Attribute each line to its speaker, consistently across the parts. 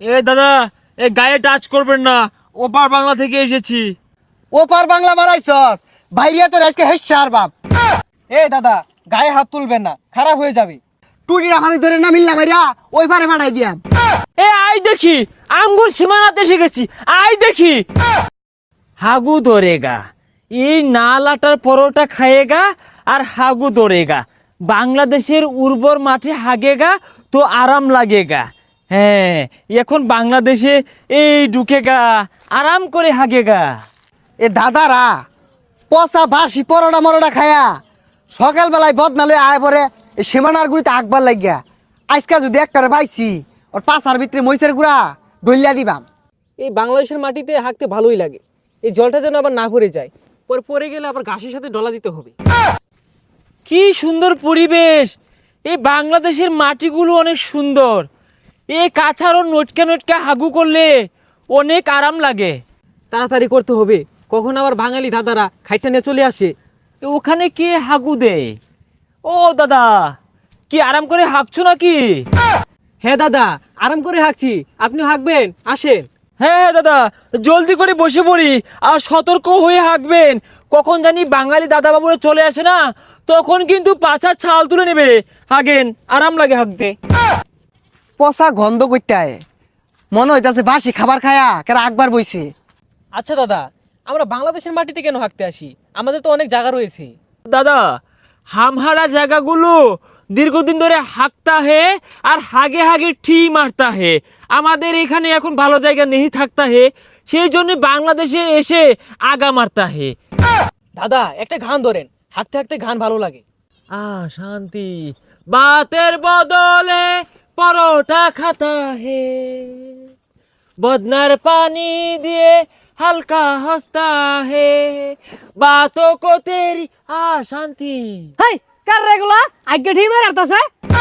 Speaker 1: এ দাদা, এ গায়ে টাচ করবেন না, ওপার বাংলা থেকে এসেছি।
Speaker 2: ওপার বাংলা মারাইছস, বাইরিয়া তোর আজকে হেসার বাপ।
Speaker 3: এ দাদা, গায়ে হাত তুলবেন না, খারাপ হয়ে যাবে।
Speaker 2: টুটির আমাদের ধরে না মিললা মাইরা ওই পারে মারাই দিয়াম।
Speaker 1: এ আই দেখি, আঙ্গুর সীমানাতে এসে গেছি, আই দেখি। হাগু ধরেগা, এই নালাটার পরোটা খায়েগা আর হাগু ধরেগা। বাংলাদেশের উর্বর মাঠে হাগেগা তো আরাম লাগেগা। হ্যাঁ, এখন বাংলাদেশে এই ঢুকেগা, আরাম করে হাগেগা।
Speaker 2: এ দাদারা পচা বাসি পরোটা মরোটা খায়া সকালবেলায় বদনালে আয় পরে এই সীমানার গুড়িতে আকবার লাগিয়া আজকা যদি একটারে পাইছি ওর পাশার ভিতরে মহিষের গুড়া ডলিয়া দিবাম।
Speaker 3: এই বাংলাদেশের মাটিতে হাঁকতে ভালোই লাগে। এই জলটা যেন আবার না পড়ে যায়, পরে পড়ে গেলে আবার ঘাসের সাথে ডলা দিতে হবে।
Speaker 1: কি সুন্দর পরিবেশ! এই বাংলাদেশের মাটিগুলো অনেক সুন্দর। এই কাছাড়ও নটকা নটকা হাগু করলে অনেক আরাম লাগে।
Speaker 3: তাড়াতাড়ি করতে হবে, কখন আবার বাঙালি দাদারা খাইটা নিয়ে চলে আসে।
Speaker 1: ওখানে কে হাগু দেয়? ও দাদা, কি আরাম করে হাঁকছো নাকি?
Speaker 3: হ্যাঁ দাদা, আরাম করে হাঁকছি, আপনি হাঁকবেন, আসেন।
Speaker 1: হ্যাঁ দাদা, জলদি করে বসে পড়ি আর সতর্ক হয়ে হাঁকবেন। কখন জানি বাঙালি দাদা বাবুরা চলে আসে না, তখন কিন্তু পাছার ছাল তুলে নেবে। হাগেন, আরাম লাগে হাঁকতে।
Speaker 2: পচা গন্ধ করতে আয়, মনে হইতাছে বাসি খাবার খায়া কেরা আকবার বইছে।
Speaker 3: আচ্ছা দাদা, আমরা বাংলাদেশের মাটিতে কেন হাঁকতে আসি? আমাদের তো অনেক জায়গা রয়েছে।
Speaker 1: দাদা, হামহারা জায়গাগুলো দীর্ঘদিন ধরে হাঁকতা হে আর হাগে হাগে ঠি মারতা হে। আমাদের এখানে এখন ভালো জায়গা নেই থাকতা হে, সেই জন্য বাংলাদেশে এসে আগা মারতা হে।
Speaker 3: দাদা, একটা গান ধরেন, হাঁকতে হাঁকতে গান ভালো লাগে।
Speaker 1: শান্তি বাতের বদলে পরোটা খাতা হে, বদনার পানি দিয়ে হালকা হস্তা হে, বাতো কো তেরি শান্তি।
Speaker 3: হাই, কার রেগুলা আগে ঠিক মেরে আরতাছে।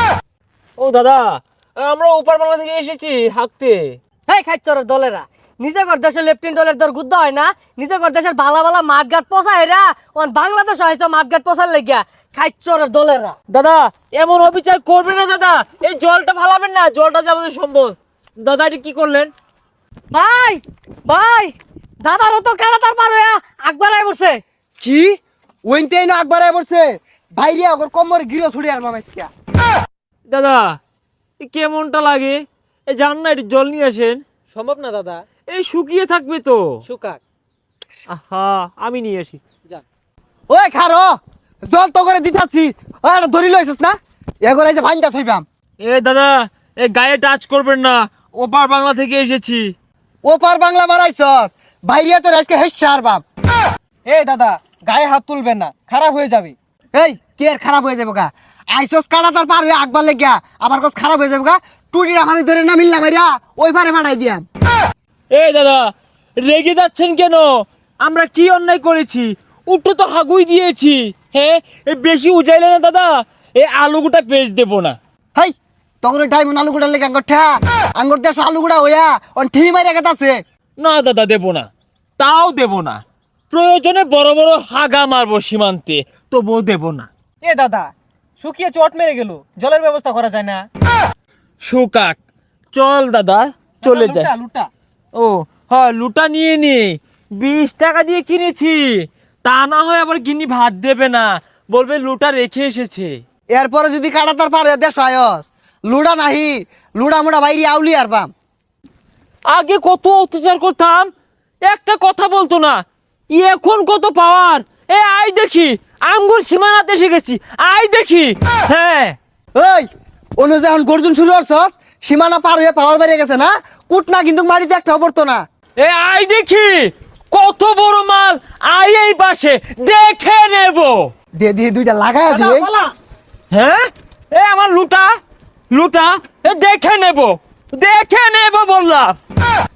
Speaker 1: ও দাদা, আমরা ওপার বাংলা থেকে এসেছি হাঁকতে।
Speaker 3: হেই খাইচরের দলেরা, নিজে কর দেশের লেফটেন্ট দলের দর গুদ্ধ হয় না, নিজে কর দেশের ভালা ভালা মাঠঘাট পচা হেরা ওন বাংলাদেশ হয়তো মাঠঘাট পচার লাগিয়া। খাইচরের দলেরা
Speaker 1: দাদা, এমন অবিচার করবেন না দাদা, এই জলটা ফালাবেন না, জলটা যে আমাদের সম্পদ। দাদা, এটা কি করলেন?
Speaker 3: ভাই ভাই, দাদারও তো কারাতার পার হইয়া আকবার আই বসে।
Speaker 2: কি ওইনতে আইনো আকবার আয় পড়ছে, বাইরিয়া ওর কোমর গিরো ছুড়ে আর মামাইছিয়া।
Speaker 1: দাদা, এ কেমনটা লাগে? এই যান না, একটু জল নিয়ে আসেন।
Speaker 3: সম্ভব না দাদা,
Speaker 1: এই শুকিয়ে থাকবে তো।
Speaker 3: সুকাক।
Speaker 1: আহা, আমি নিয়ে আসি।
Speaker 3: যান।
Speaker 2: ওই খারো, জল তো করে দিতাছি, ওই আর ধরি লইছস না, এগোর এই যে ভাইনটা থইবাম।
Speaker 1: এ দাদা, এ গায়ে টাচ করবেন না, ওপার বাংলা থেকে এসেছি।
Speaker 2: ওপার বাংলা মারাইছস, বাইরিয়া তোর আজকে হেসার বাপ।
Speaker 3: এ দাদা, গায়ে হাত তুলবেন না, খারাপ হয়ে যাবে।
Speaker 2: এই কে আর খারাপ হয়ে যাবো গা, আইসস কাটাতার পার হয়ে আকবার লেগিয়া আবার কস খারাপ হয়ে যাবো গা। টুটির আমাদের ধরে না মিললা মাইরা ওই পারে মারাই দিয়াম।
Speaker 1: এই দাদা, রেগে যাচ্ছেন কেন? আমরা কি অন্যায় করেছি? উঠো তো হাগুই দিয়েছি। হ্যাঁ, এ বেশি উজাইলে না দাদা, এই আলুগুটা পেজ দেবো না।
Speaker 2: হাই তখন টাইম আলু গুড়ার লেগে আঙ্গর ঠা আঙ্গর দেশ আলু গুড়া হইয়া অন ঠি মাইরা গেতাছে।
Speaker 1: না দাদা, দেবো না, তাও দেবো না। প্রয়োজনে বড় বড় হাগা মারবো সীমান্তে, তবুও দেবো না।
Speaker 3: এ দাদা, শুকিয়ে চট মেরে গেল, জলের ব্যবস্থা করা যায় না?
Speaker 1: সুকাক, চল দাদা, চলে
Speaker 3: দাদা,
Speaker 1: যায়।
Speaker 3: লুটা লুটা।
Speaker 1: ও হ্যাঁ, লুটা নিয়ে নি, 20 টাকা দিয়ে কিনেছি। তা না হয় আবার গিনি ভাত দেবে না, বলবে লুটা রেখে এসেছে।
Speaker 2: এরপরে যদি কাটাতার পার হয়ে দেশ আয়স লুড়া নাহি, লুড়া মুড়া বাইরে আউলি আর বাম।
Speaker 1: আগে কত অত্যাচার করতাম, একটা কথা বলতো না, এখন কত পাওয়ার। এ আই দেখি, আঙ্গুর সীমানাতে এসে গেছি, আই দেখি। হ্যাঁ,
Speaker 2: ওই অনু যখন গর্জন শুরু করছস সীমানা পার হয়ে পাওয়ার বেরিয়ে গেছে না, কুট না কিন্তু মাটিতে একটা পড়তো না।
Speaker 1: এ আই দেখি, কত বড় মাল, আই এই পাশে দেখে নেব।
Speaker 2: দিয়ে দিয়ে দুইটা লাগায়
Speaker 3: দাদা,
Speaker 2: দিয়ে।
Speaker 3: পালা।
Speaker 1: হ্যাঁ, এ আমার লুটা, লুটা, এ দেখে নেব, দেখে নেব বললাম।